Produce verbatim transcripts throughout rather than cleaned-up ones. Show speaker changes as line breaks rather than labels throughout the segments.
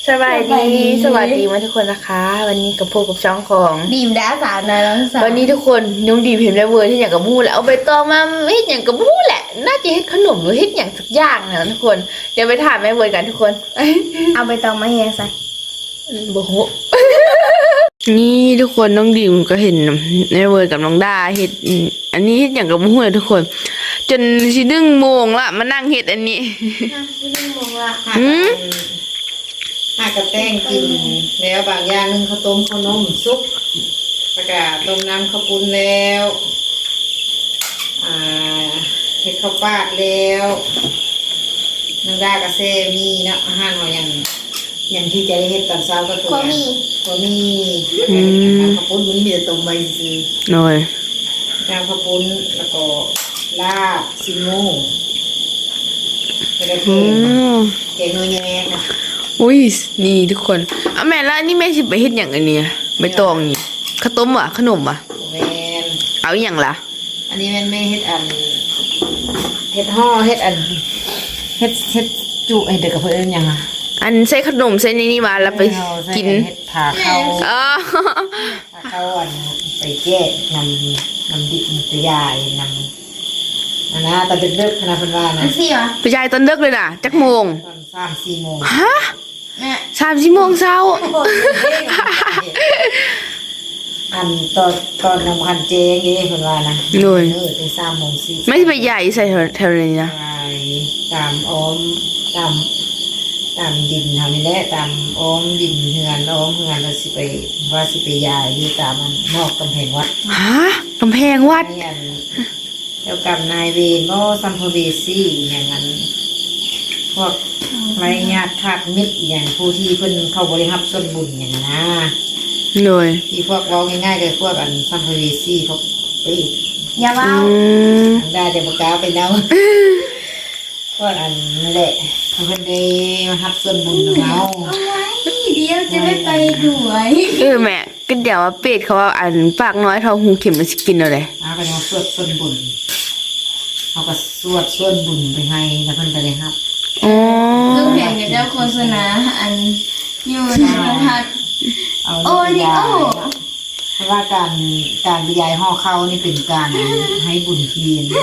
สวัสดีสวัสดีมาทุกคนนะคะวันนี้กับพวกกับช่องของ
ดีมดาสาวน้อยน้องสาว
วันนี้ทุกคนน้องดีมเห็นแล้วเวอร์ที่อย่างกับมูแล้วเอาใบตองมาเฮ็ดอย่างกับมูแหละน่าจะเฮ็ดขนมหรือเฮ็ดอย่างสักอย่างนะทุกคนเดี๋ยวไปถามแม่เวอร์กันทุกคน
เอาไปตองมาเฮียใส่
โบโห นี่ทุกคนน้องดีมก็เห็นแม่เวอร์กับน้องดาเฮ็ดอันนี้เฮ็ดอย่างกับมูเลยทุกคน จนสิดึงโมงละมานั่งเฮ็ดอันนี้
ไม่ได้มองละ
อืม
ถ้ากระแป้งกินแล้วบางอย่างนึงข้าวต้มข้าวนมซุปประกาศต้มน้ำข้าวปุ้นแล้วอ่าเห็ดข้าวปาดแล้วนังดากระเซมีเนาะอาหารเราอย่างอย่างที่จะได้เห็ดตอนเช้าก็คือ
ก็มี
ก็มีข้าวปุ้นมันมีแต่ต้มใบซี
หน่อย
น้ำข้าวปุ้นแล้วก็ลาบซิโม่แล้วก็
อืม
แกงเนื้อแยงนะ
อุ้ยนี่ทุกคนเอาแม่แล้วอันนี่แม่สิไปเฮ็ดอย่างอันเนี้ยใบตองนี่ข้าวต้มอ่ะขนมอ่ะ
แมน
เอาอหย่างล่ะ
อันนี้แม่นไม่เฮ็ดอันเฮ็ดห่อเฮ็ดอันเฮ็ดเฮ็ดจุเฮ็ดเด็กกับเพื่อนยังอ่ะ
อันใส่ขนมใส่ในนี่มาแล้วไปกิน
เฮ็ดผ่าเข้า
อ๋อ
ผ่าเข้าอันไปแก้นำนำดิบนำตัวยายนำอันนะตอนเด็กๆคณะเพิ่นว่า
อั
นะ
นสี่เหรอ
ไปยายตอนดึกเลยน่ะจักโมง
ตอนสามสี่โมง
ฮะ
แม่
สามสี่โมงเช้า
อันตอนตอนนำคันเจงนี่เพิ่นว่านะเออได้สามโมงสี่
ไม่ใช่ไปใหญ่ใส่แถวนี้นะ
ไปตามอ้อมตามตามดินทำนี่แหละตามอ้อมดินเฮือนอ้อมเฮือนเราสิไปว่าสิไปยายอยู่ตามมันนอกกำแพงวัด
ฮะกำแพงวัด
นี่อันเจ้ากรรมนายเวรก็สัมภเวสีอย่างนั้นพวกไรญาติขาดมิตรอย่างผู้ที่เพิ่นเข้าบริหับส่วนบุญอย่างนั้นนะ
หน่อย
ที่พวกเราง่ายๆเลยพวกอันสัมภเวสีพวกไปอีก
อย่าเบา
อืม
ทางด้านเดบกล้าไปเนาพวกอันนั่นแหละเพิ่นได้มาหับส่วนบุญของเรา
เอาไว้เดี๋ยวจะไม่ไปด้วย
เออแม่ก็เดี๋ยวว่าเป็ดเขาว่าอันปากน้อยเท่าหูเข็มมันสิกินเอาเลย
มาไปเอาสวดส่วนบุญเขาก็สวดส่วนบุญไปให้แล้วเพิ่นก็ได้รับ
อ๋อ
ลูกเพลงกับเจ้าโฆษณาอันอยู่ในโทรทัศน์
เอา
โอ้นี่โอ้
เพราะว่าการการบรรยายห่อเข้านี่เป็นการให้บุญเทียน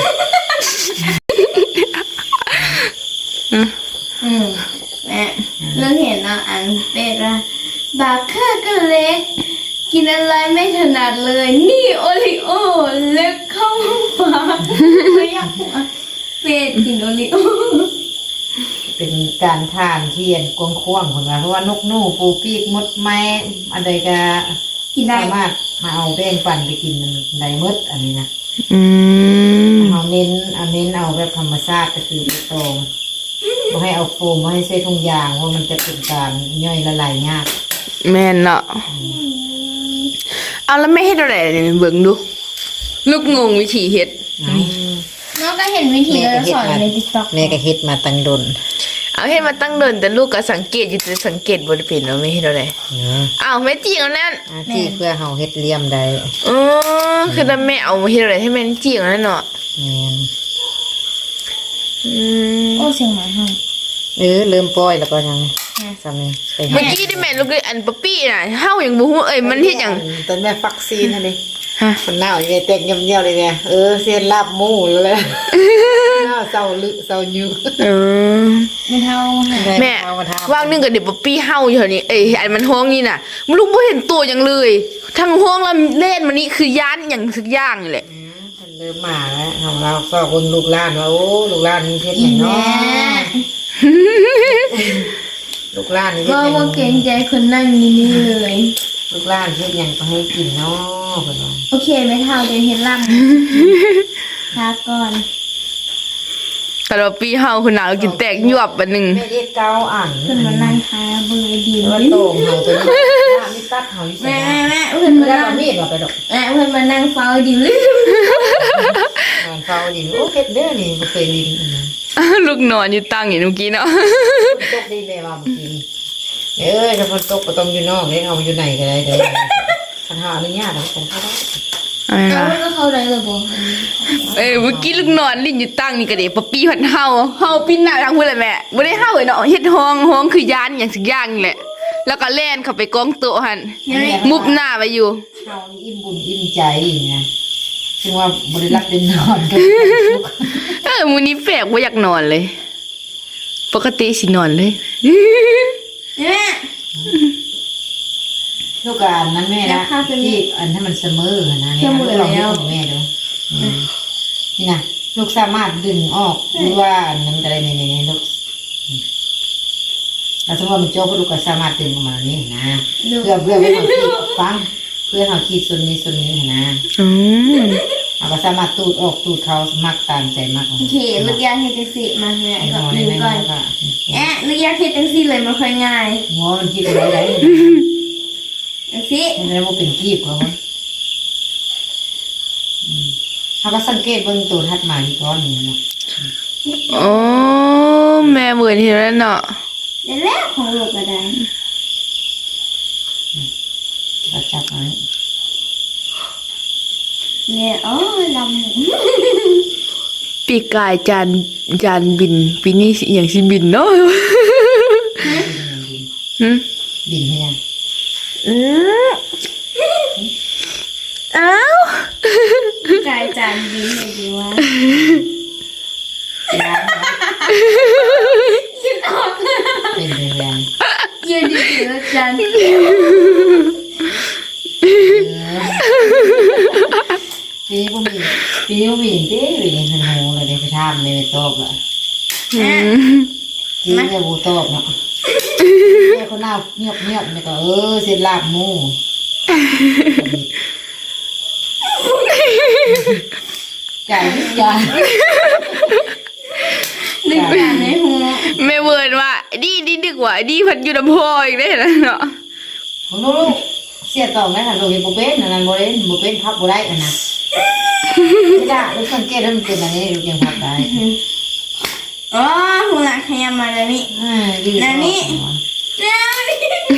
อืมแม่เรื่องเห็นนะอันเป็ดละบาค่าก็เล็ก กินอะไรไม่ถนัดเลย นี่โอริโอเล็กเข้าปากไม่อยากหัวเป็ดกินโอริโอ
เป็นการทานเทียนกวงควงคนว่าเพราะว่านกหนูปูปีกมดไม้อะไรก็
กินได้
สามารถมาเอาแป้งปั่นไปกินได้หมดอันนี้นะ
อืม
เอาเน้นเอาเน้นเอาแบบธรรมชาติก็คือตรงไม่ให้เอาโฟมไม่ให้ใส่ถุงยางว่ามันจะเป็นการย่อยละลายยาก
แม่นเนาะเอาแล้วไม่เฮ็ดอะไรเนี่ยเบิ่งดูลูกงงวิธีเฮ็ด
น้องก็เห็นวิธีแล้วสอนในติ๊กต็อก
แม่ก็เฮ็ดมาตั้งดน
เอาเฮ็ดมาตั้งเดินแต่ลูกก็สังเกตอยู่แต่สังเกตบ่ได้เป็นว่าไม่เฮ็ดอะไรอ้าวแม่จีเอานั่น
ที่เพื่อเฮาเฮ็ดเลี่ยมได้
อ๋อคือถ้าแม่เอามาเฮ็ดอะไรให้แม่จีเอานั่นเนาะ
แม่น
อืม
โอ้เสียงหมาห้อง
เออเริ่มปล่อยแล้วก็ยังสามีไป
เมื่อกี้ที่แม่ลูกอันป๊อปปี้น่ะเฮายังบ่ฮู้เอ้ยมันเฮ็ดหยัง
ตอนแม่ฟักซีนนั่นดิ
ฮะ
คนหน้าอยู่ในเต็กเงียบๆเลยเนี่ยเออเส้นลาบหมูแล้วแหละหน้าเศร้าลึเศร้ายู
เออ
ไม่เท่าหา
แม่ว่างนึงกับเด็กป๊อปปี้เฮาอยู่แถวนี้เอ้ยอันมันห้องนี่น่ะมันลูกบ่เห็นตัวหยังเลยทั้งห้องแล้วเล่นมันนี่คือย่านหยังสักอย่างนี่แหละ
มันเริ่มมาแล้วของเราก็คนลูกหลานว่าโอ้ลูกหลานนี่เพชร
อี
เนา
แม่
ะลูกหลานนี่เพช
ก็
ร
ว่าเกรงใจคนนั่งนี่นี่เลย
ลูกหลานเพชรยังก็ให้กินเนาะคนว่า
โอเคไม่เท่าเดี๋ยวเห็นล่ำพักก่อน
แต่ว่าปีเฮาคือหนาวกินแตกยวบอันหนึง
แม่เรียกเก้าอ่าน
เพื่อนมานั่งทาเบอร์ดี
ว่า
แม่
โต่งเฮาตัวนี้นี่ตัดเฮาอยู่
แม่
ใส่
แม่เพื่อน
ไม่
มา
ได้
นั่ง
เอามีดมาไปดอก
แม่เพื่อนมานั่งเฝ้าดีเลย
งานเฝ้าดินโอ้เพชรเด้อนี่บ่เคยลินอีกนะ
ลูกนอนอยู่ตั้งอยู่เมื่อกี้เนาะ
ตกดีแม่ว่าเมื่อกี้เอ้ยถ้าฝนตกก็ต้องอยู่นอกเลยเอาอยู่ไหนก็ได้เด้อปัญหาอนุญาตแล้วกันเข้าได้
อะไร
เอา
ล่ะ
แล้วเขาได้เลยบอก
เอ้ยเมื่อกี้ลูกนอนลิ้นอยู่ตั้งนี่ก็เด้ป๊อปปี้พันเฮาเฮาปิ้นหน้าทางพุ่นแหละแม่บ่ได้เฮาเอ้ยเนาะเฮ็ดห้องห้องคือย่านหยังสักอย่างนี่แหละแล้วก็แล่นเข้าไปกองโต๊ะหัน
เห็นไหม
มุบหน้าไปอยู่
เฮานี่อิ่มบุญอิ่มใจนะซึ่งว่าบ่ได้รับได้นอนกัน
เออมื้อนี้แปลกบ่อยากนอนเลย ปกติสินอนเลย
เห็นไหม
ลูกกอันนั้นแม่นะที่อันให้มันเสมอนะนี่นะลองดูของแม่ดูอืมนี่นะลูกสามารถดึงออกหรือว่าอันนั้นอะไรในในในลูกอืมแล้วสมมติว่ามันโจ้ก็ลูกก็สามารถดึงออกมานี่นะเพื่อเพื่อให้เขาคิดฟังเพื่อเขาคิดส่วนนี้ส่วนนี้นะ
อืม
เราก็สามารถตูดออกตูดเขามักตามใจมาก
โอเคลูกยาเฮ็ดจังซี่มาแม่
ไอ้
ก็
นอน
ลื
ใน
ม
นั้น
ก่อน
ก็
แอะลูกยาเฮ็ดจังซี่เลยมันค่อยง่าย
หัวมันคิดอะไรได้
จังซี่
มันจะว่าเป็นกีบเขาอืมเขาก็สังเกตเบิ่งตัวทัดหมายก้อนนี้เนาะ
อ๋อแม่เบื่อที่นั่นเนาะ
เดี๋ยวแล้วของลูกก็ได้
จับจับไว้
เนี่ยอ๋อลำ
ปีกายจานจานบินปีนี้สิอหย่างสิบินเนาะ หึ
บินให้ยัง
อืมอ้าว
กายจานดีให้ดีวะ
ยางไว้
คิดออก
เป็นแรง
ยืนดีๆแล้วจาน
ๆปีนี้บ่มีปีนี้บ่มีเด้อยังหันหูเลยเดี๋ยวไปถามเลยไปตอบละ
อืม
จีเนี่ยบ่ตอบเนาะแม่คนหน้าเงียบเงียบๆเนี่ยก็เออเสร็จลาบหมูจ่ายทุกอย่าง
นึกจานในหัว
แม่เวิร์นว่าดีดีดึกว่าดีพันอยู่ลำโพงอีกได้แล้วเนาะ
ของลูกเสียต่อไหมค่ะลูกเห็นบ่เป็นอันนั้นบ่เล่นบ่เป็นพับบ่ได้อันนั้นไม่ได้ลูกสังเกตแล้วมันเป็นอันนี้ลูกยังพับได้
อ๋อหัวขยำมาแล้วนี่
อ่ายืด
นั่นนี่ แล้วนี่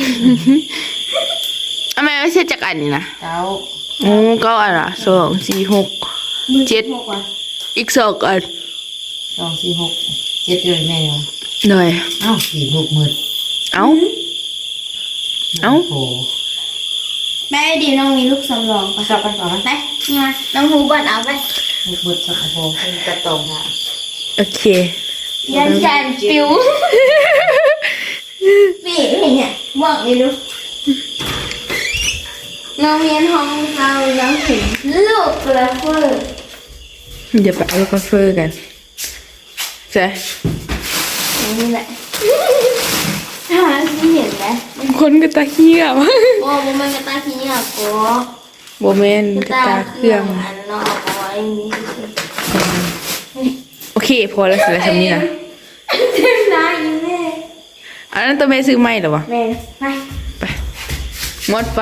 อ่ะแม่ไม่ใช่จักอันนี่นะ
เก้า
โอ้เก็อันละสองสี่หก เจ็ด
หกว่ะ
อีกสองอัน
สองสี่หกเจ็ดเลยแม่ยัง
หน่อย
เอ้าสี่ลูกมืด
เอ้า เอ้า
โอ้
แม่ดีน้องมีลูกสำรองปะ
ชอบไปก่อนไหม
ไปนี่มาน้องหูบอลเอาไป
ลูกมืดสักโอ้กระตองค่ะ
โอเค
ยันจานปิวปีเห็นเนี่ยบอกไม่รู้น้องเรียนห้องเราน้องถึงลูกกระเฟือ
เดี๋ยวไปเอากาแฟกันใช่
นี่แหละหาที่เห็นไหม
คนกระตาเขี้ยว
โอ้โหมันกระตาขี้เนี่ยโก้
โบแมนกระตาเครื่อง
อันนอกเอาไว้นี่
โอเค พอแล้วเสร็จแล้วทำนี้นะ
เต็มหน้าอีแม่
อันนั้นตัวแม่ซื้อไม่เหรอวะ
แม่ไป
ไปหมดไฟ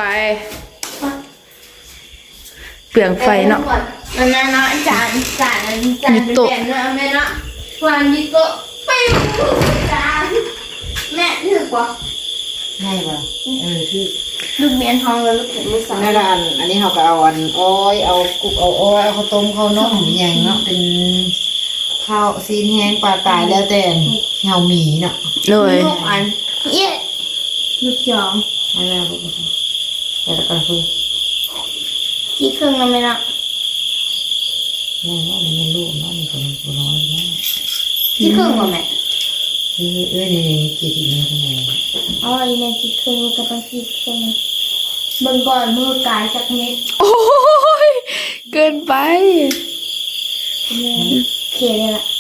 เปลืองไฟเนาะ
มันนะเนาะจานจานจานเป็นแบบเนาะแม่เนาะวันนี้ก็ไปจานแม่ถือกว่า
ง่ายป่ะเออคือ
ลูกเมียนทองแล้วลูกเข็มมือสอง
นั่นละอันอันนี้เขาก็เอาอันอ้อยเอากุกเอาอ้อยเอาข้าวต้มข้าวนมอย่างเนาะเป็นข้าวซีนแห้งปลาตายแล้วแต่เหี่ยวหมีเนาะ
เลย
ลูกอันเย้ลูกจอม
นั่นแหละลูกแต่ละกันคือ
ที่เครื่องเราไม่เนาะ
เนี่ยว่ามันเป็นลูกเนาะมันเป็นตัวน้อยเนาะ
ที่เครื่องว่าแม่
เอ้ยเอ้ยนี่นี่กี่ทีนี่ทำไม
อ๋ออีแม่ที่เครื่องก็ต้องที่เครื่องเบิ่งก่อนมือกายจากเม็ด
โอ้ย เกินไป
แม่เขียนเลยล่ะ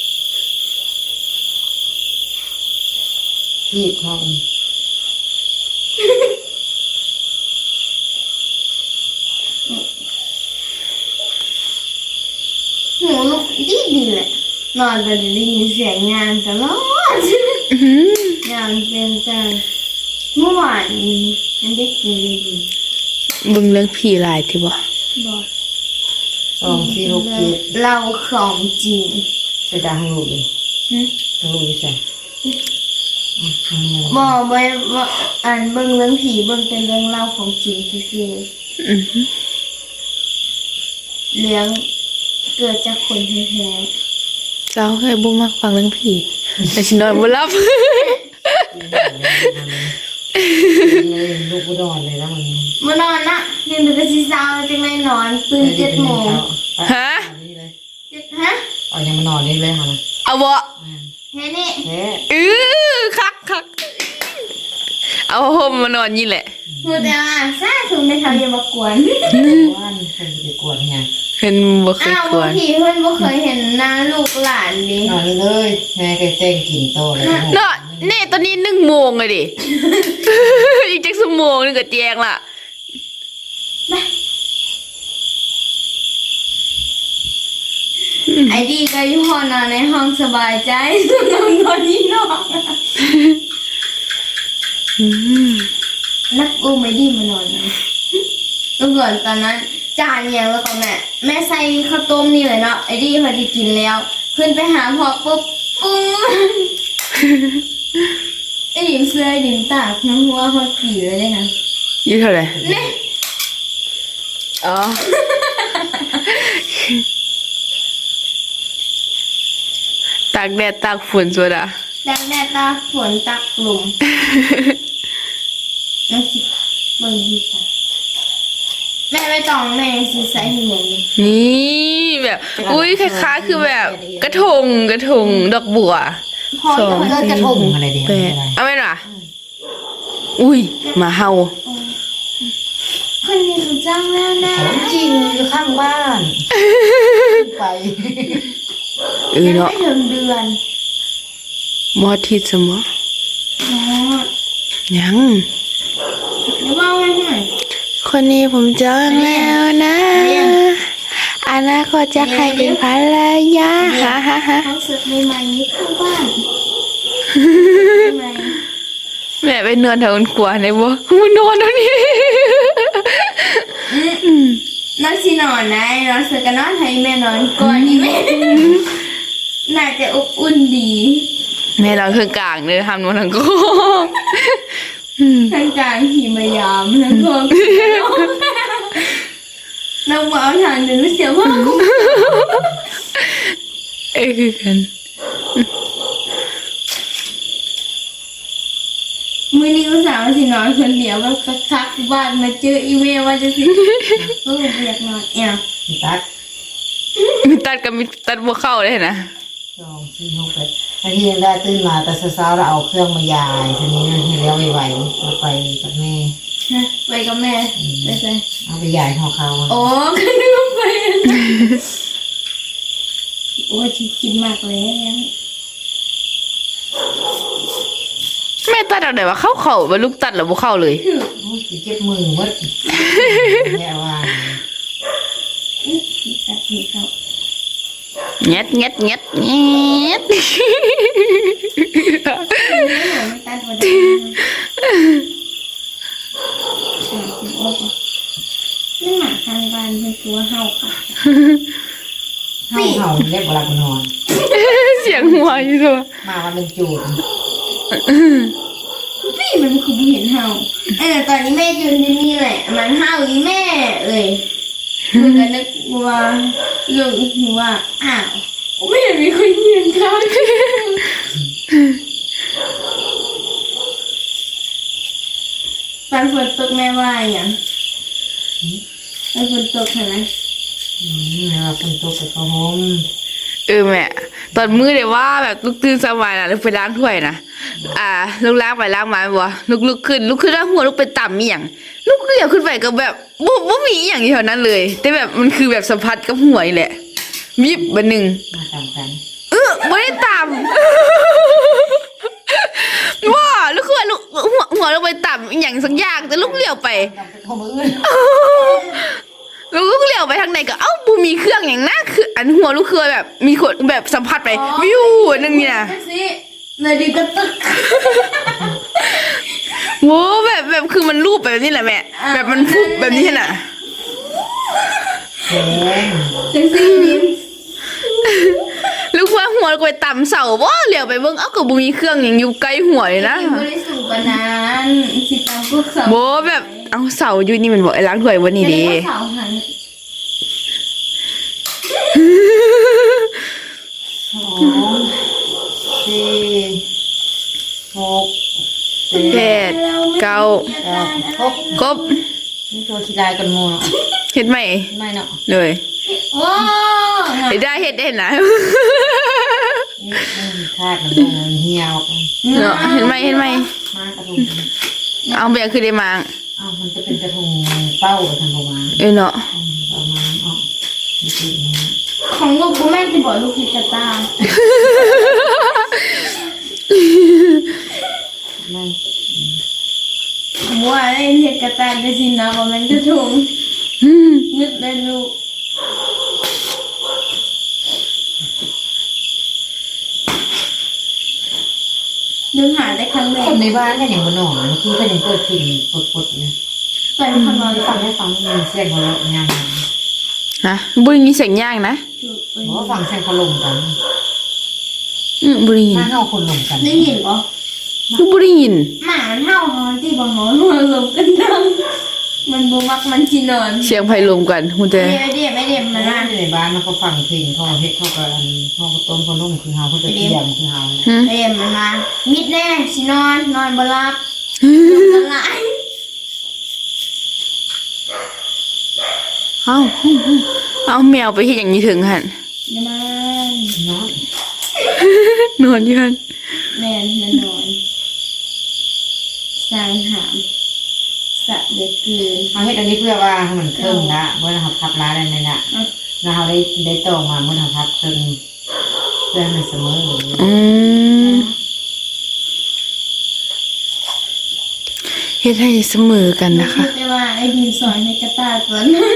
ที่เขา
หูลูกดีดีแหละนอนไปได้ยินเสียงงานตลอด
อื้อหือง
านเป็นจังเมื่อวานนี้ฉันได้กินดีดี
เบึงเรื่องผีหลายที่บ่
บอก
สองสี่หกเจ็ด
เราของจริง
ใส่ดาให้ลูกเลย
หึ
ให้ลูกใส่อืมทำไง
บ
ล่ะ
อกไว้ว่าอ่านเบิ่งเรื่องผีเบิ่งเป็นเรื่องเล่าของจริงคือ
อือหือ
เรื่องเกิดจากคนแท้
เจ้าเคยบ่มักฟังเรื่องผีแต่ฉันนอนบ่หลับ
ๆ
เลยลูกกูนอนเลยแล้วมัน
มานอนนะเรียนเป็นกระสีสาวจังเลยนอนตื่นเจ็ดโมง
ฮะ
เจ็ดฮะ
เอายังมานอนนี่เลยค่ะ
เอาบ่
แค่นี้
แค่
อือคักคักเอาห่มมานอนนี่แหละ
มือแต่ว่าซาถุงในเขาอย่ามากวน
ว่านใครจะไปกวนไง
เห็นบ่เคย
อ้าว
กว
บาง
น
ทีเพื่อนบ่เคยเห็นหน้าลูกหลานดิ
นอนเลยแม่เคยเต้นกินโตเลย
เนาะเน่ตอนนี้หนึ่งโมงเลยดิ อีกจักชั่วโมงนึงก็แจ้งละ
ไอ้ดีก็อยู่ห้องนอนในห้องสบายใจนอนนอนนี่นอนนักอุ้มไอ้ดีมานอนนะเมื่อก่อนตอนนั้นจานยังแล้วก็แม่แม่ใส่ข้าวต้มนี่เลยเนาะไอ้ดีพอดีกินแล้ว ขึ้นไปหาพ่อปุ๊บปุ้งไอ้ดิมเสื้อไอ้ดิมตากน้ำหัวเขาผีเลยเลยนะ
ยี่เท่าไหร่
นี่
อ๋อ ตากแดดตากฝนสุดอ่ะ
ดังแดดตาฝนตักลมน้ำสิเบิ่งดีจ้ะแม่ไม่ต้องแม่สิใส่ให้หนู
นี่แบบ อุ้ยคล้ายๆคือแบบ กระทงกระทงดอกบัว
พอ
สอง
จะ
เลิกกระทงอะไรเดียว
แปด
อะไร
เอาไหมล่ะ อุ้ยหมาเห่า
คนนี้รู้จังแล้วนะ
จริงอยู่ข้างบ้านไป
เออ
ยัง
เนาะ
ไม่ถึงเดือน
มอทิดสมอ
อ๋อ
ยัง
เดี๋ยวว่าไว้หน่อย
คนนี้ผมจองแล้วนะอนาคตจะใครเป็นภรรยาฮ่าฮ่าฮ่า
เขาเสิร์ฟใหม่ๆอยู่ข้างบ้านใหม่
แม่ไปนอนแถวขวาในบ่มันนอนตรงนี้
น้องสินอนนะน้องเสือกันนอนให้แม่นอนก่อนดีไหมน่าจะอบอุ่นดี
แม่นอนเครื่องกลางเลยทำนอนทั้งก็
ทางกลางหิมายามแล้วก็น้องมาเอาทางเดินไม่เสียมาก
เอ้ยคือกัน
มื่อนี้ก็สาวสินอนคนเดียวว่าคักๆบ้านมาเจออีเมลว่าจะสิก็เรียกนอนเอี่ย
ตัด
มีตัดกับมีตัดบัวเข้าเลยนะ
สองสี่หกแปดถ้าที่ยังได้ตื่นมาแต่เช้าๆเราเอาเครื่องมายายทีนี้ให้แล้วไวๆเราไปกับแม่
นะไปกับแม่ไปใส่
เอาไปยายของเขา
โอ้ก็นึกว่าไปโอ้ยคิดมากเลย
แม่ตัดเอาไหนวะเข้าเข่าไปลูกตัดหรือบัวเข้าเลย
เจ็บมือมัดแย่ว่า
ตัดผิดเขา
เงียดเงียดเงียดเงียด
ไม่ตัดวันนี้นี่หมาทางบ้านเป็นตัวเห่าค่ะ
เห่าเห่าเรียกเวลาคนนอน
เสียงหัวอยู่ตัว
มาวันเป็นจูด
พี่มันคือเห็นเห่าเออตอนนี้แม่ยืนที่นี่แหละ มันเห่าอีแม่เลยมันก็นึกว่าลูกว่าอ้าวไม่เห็นมีคนยืนข้างตอนฝนตกแม่ว่าอย่างตอนฝนตกเห็นไหม
อืมแล้วคนโตกับเขาห้อง
เออแม่ตอนมือเดี๋ยวว่าแบบลูกตื่นสมัยนะลูกไปล้างถ้วยนะอ่าลูกล้างไปล้างมาบัวลูกลุกขึ้นลุกขึ้นแล้วหัวลูกไปต่ำอีหยังลูกเหลียวขึ้นไปก็แบบบ่บ่มีอหย่างอยู่แถวนั้นเลย แต่แบบมันคือแบบสัมผัสกับหัวนี่แหละวิบบันหนึ่ง
มาตามกัน
เออไม่ได้ต่ำ ว่าลูกคือว่าลูกหัวหัวลงไปต่ำอหย่างสักอย่างแต่ลูกเหลียวไป
ตามไปเขามืออื่น
ลูกลูกเหลียวไปทางไหนก็เอ้าบูมีเครื่องอย่างน่าคืออันหัวลูกคือแบบมีคนแบบสัมผัสไปวิวอันนึงเนี่ย
สินาดีก็ตึก
โว้แบบแบบคือมันรูปแบบนี้แหละแม่
อ่า
แบบมันฟุบแบบนี้น่ะ
แดง
จังสิยิ้ม
ลูกว่าหัวลูกไปต่ำเสาว่าเหลียวไปเบิ่งเอ้าก็บูมีเครื่องอย่างอยู่ใกล้หัวเลยนะ
ยิ้มไม่ได้สูงกว่านั้นสิตามพวกสาว
โว้แบบเอาเสาอยู่นี่มันบอกไอ้ล้างถ้วยวันนี้เดี
สาวหัน
สองสี่หก
แปด
เราไม่
เก้า
ครบ
ครบ
นี่ตัวขี้ลายกันโมเนาะ
เฮ็ดไหม
ไม่เนาะ
เลย
ว้าว
เฮ็ดได้เฮ็ดได้นะ
นี่คาดมันลงมันเหี่ยว
เนาะเห็นไหมเห็นไหม
มากระทง
เอาไปยังคือได้มา
อ้าวมันจะเป็นกระทงเป้าทางประมาณ
เอ้ยเนาะ
ประมาณอ๋อนี่คือนะ
ของลูกกูแม่จะบอกลูกพิจารณา
ไม่
ผมว่าไอ้เห็ดกระตายกระสินนะว่ามันกระทง
อืม
นึกได้ลูกนึกหาได้ครั้งแร
ค
ก
นในบ้านเนี่ยอย่างบนหนอนเมื่อกี้ก็ยังเปิดเพลงปดๆนะ
ไปคำนอน
ฟั
ฟั
ง
ง
ให้ฟังมีเสียงของเรางาน
ฮะบุรีมีเสียงย่างนะ
เพราะว่าฟังเสียงเขาลงกัน
อืมบุรียิน
ถ้าเขาคนลงกัน
ได้ยินปะ
คือบุรียิน
หมามันเห่าหอนที่บางหอนมันหลบกันดังมันบูมักมันจีนอน
เสียงไพรวมกันคุณเจ
เดี๋ยวเดี๋ยวไม่เดี๋ยวมัน
บ้า
น่าน
ในบ้านเขาฟังเพลงเขาเฮ็ดเขาก็อันเขาต้มเขานุ่มคือเฮาเขาจะเตรียมคือเฮา
หืม
เดี๋ยวมันมามิดแน่สินอนนอนบหลับมันไหล
เอาเอาแมวไปเฮ็ดอย่างนี้ถึงหั่น
มัน
เนาะ
นอนอยู่หั่น
แมนมันนอนสร้างหามสะเด็ดเกิน
เขาเฮ็ดอันนี้เพื่อว่าให้มันเครื่องละเมื่อเราพับร้านอะไรนั่นน่ะแล้วเราได้ได้ตรงมาเมื่อเราพับเครื่องเพื่อให้มันเสมอ
อืมเฮ็ดให้เสมอกันนะคะ
แต่ว่าไอ้ดินสอนในกระตาตัวนั้น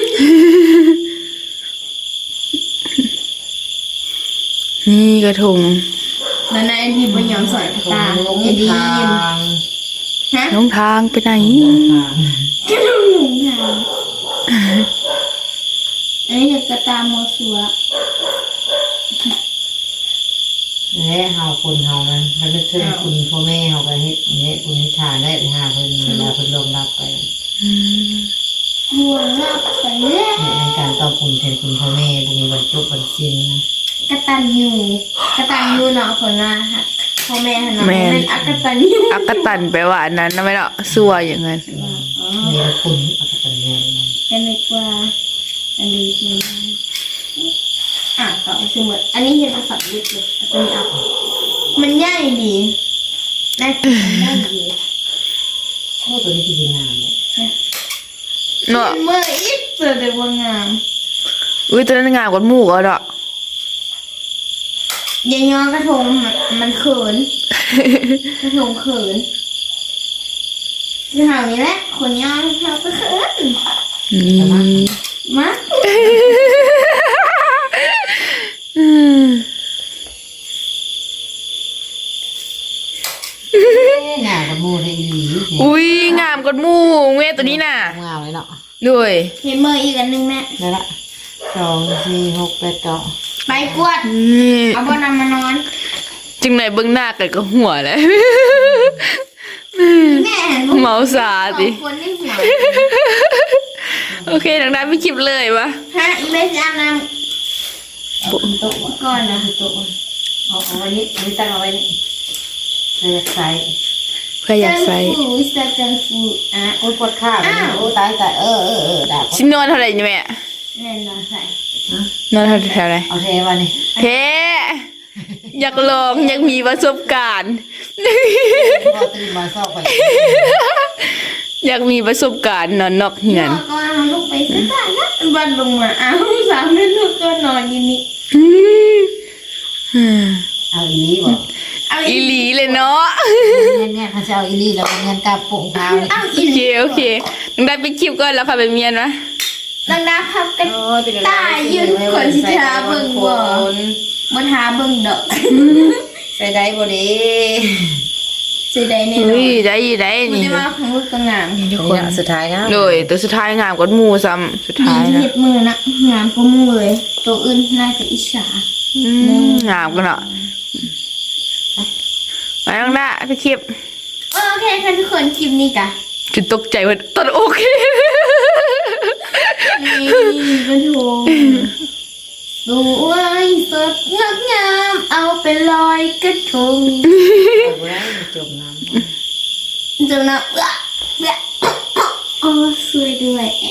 นี่กระทง
แล้วนายไอ้ดินบนยอมสอนกระตา
ลง
ไอ้ดิน
ทาง
ฮะ
น้องทางไปไหน
ทาง
กระดูกหนุ่มทางอันนี้กระตาโมสัว
และเฮาคนเฮานั้นมันนึกถึงคุณพ่อแม่เฮาก็เฮ็ดเนี่ยคุณนิทานได้หาเพิ่นเวลาเพิ่นลงรับไป
บัวงับไปแล้ว
ในการตอบคุณแทนคุณพ่อแม่บ่มีวันจบวันสิ้นนะ
กระตันยูกระตันยูเนาะคนว่าฮะพ่อแม่เนาะ
แม่น
เป็นอักตันยู
อักกตันแปลว่าอันนั้นนะไม่เนาะซัวอย่างนั้น
อ๋อ
มีละคุณอัตตาเงิน
ก็นึกว่าอันนี้คืออ่ะต่อสมมติอันนี้เห็นภาษาลึกเลยอันนี้เอามันใหญ่ดีน่ากินมันใหญ่ดี
ชอบตัวนี้ที่งามเนี่ย
เนาะ
เมื่ออีกเจอแต่ว่างาม
อุ้ยตัวนั้นงามกว่าหมูกอ่ะเนาะ
ยายยอกระทงมันมันเขิน กระทงเขินจะหานี้แหละคนย่องเขาก็เขิน
นี่
มา
อืม
งามกับมูได้อีหลี
อุ้ยงามกว่าหมูเว้ยตัวนี้น่ะ
งามเลยเนาะ
ด้วย
เห็นเมื่ออีกอันหนึงแม่
ได้ละสองสี่หกแปดเก้า
ไปกวด
นี่
เอาบนำมานอน
จึงไหนเบื้องหน้ากันก็หัวเลย
แม่เห็น
เมาสาดิ
สองคนนี่หัว
โอเคดังนั้นไม่คลิปเลยวะ
ฮะอีเมสอาบน้
โต๊ะโต๊ะ
ำก่อนนะ
โต๊ะเอาเอาไว้นี่นี่ตั้งเอาไว้นี่เลยใส่
เพื่ออยากใส่
ฟูวิสเตอร์ฟูอ่ะ
โอ้ยปวดขาโอ้ตายตายเออเออเออดาบ
ชิ้นนอนเท่าไหร่นี่แม่
แน่นอนใส่
นอนเท่าแถวไหน
เอาเทวันนี้
เฮ้อยากลองอยากมีประสบการณ์
พอตื่นมาเศร้าไป
อยากมีประสบการณ์นอนนอกเหียน
นอนก่อนเอาลูกไปสักการนะบันลงมาอ้าวสามให้ลูกก็นอนอยู่นี่
อืม
เอาอีลี่บอก
เอา
อี
อี
หลีเลยเนาะ
เงี้ยเนี่ยเขาจะเอาอีลี่แล้วก็เงินกับปุ่งเท้านี่
เอา
โอ
อี
เคโอเคดังได้ไปคลิปก่อนแล้วค่ะไปเมียนวะ
ดังดาพับกันตายยืนคนสิทาเบิ่งบ่บ่ทาเบิ่งดอก
ใส่ได้บ่ดี
สิได้แน่นอ
อุ้ย
น
ได้ได้
มัน
นี่
จะมาของลูกก็งาม
ทุกค
คน นสุดท้ายนะ
โดยตัวสุดท้ายงามกว่าหมูซ้ำสุด
ดี
ท้าย
ที่
นะ
เฮ็ดมือนะงามกว่าหมู่เลย ตัวอื่นน่าจะอิจฉา
อืมงามกันเนาะไปน้องด้าไปคลิป
โอเคค่ะทุกคนคลิปนี้กะ
จุดตกใจว่าตอนโอเค
นี่กระทงสวยสดงดงามเอาไปลอยกระทง
เอาไว้จมน้ำ
จำนะเอื้อโอ้สวยด้วยแอะ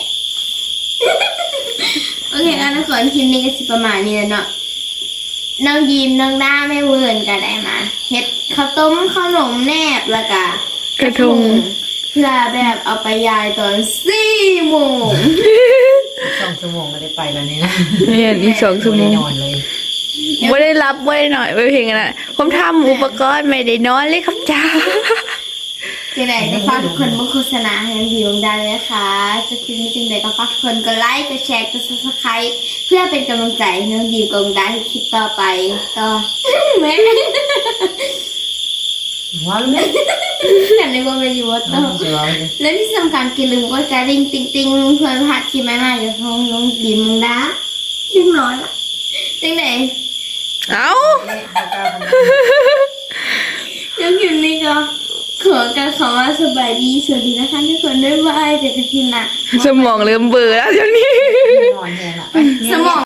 โอเคแล้วทุกคนคลิปนี้ก็สิประมาณนี้แล้วเนาะน้องยิ้มน้องด้าแม่เวิร์นกันได้มาเฮ็ดข้าวต้มขนมแนบแล้วก็
กระทง
เพื่อแบบเอาไปยายตอนสี่โมง
สองชั่วโมงก็ได้ไปแล้วนี่นะ
เนี่ยอีกสองชั่วโม
ไม่
ง
ได้นอนเลย
ไม่ได้รับไม่ได้หน่อยไม่เพลงนะผมทำอุปกรณ์ไม่ได้นอนเลยครับจ้า
จังไหนก็ฝากทุกคนมาโฆษณาให้น้องยิ้มได้เลยค่ะจะคลิปนี้จังไหนก็ฝากทุกคนกดไลค์กดแชร์กดซับสไครต์เพื่อเป็นกำลังใจให้น้องยิ้มกับน้องด้าให้คลิปต่อไปก็ แม่
ว้าวเลย
แต่ในว่าเป็นอยู่ว่าต่อ
เดี๋ยวเอาเลย
และที่สำคัญกินลืมก็จะริงติ๊งติ๊งเพื่อนพัดที่ไม่มาจากห้องน้องยิ้มน้องด้าเรียบร้อยละจังไหน
เอ้า
เนี่ยเอากาวทำไม
ยังอยู่นี่ก็ขอการขอว่าสบายดีสวัสดีนะคะทุกคนบ๊ายบายเจอกันทีหน้า
สมองเริ่มเบลอแล้วเดี๋ยวนี้
นอนแทนละ
สมอง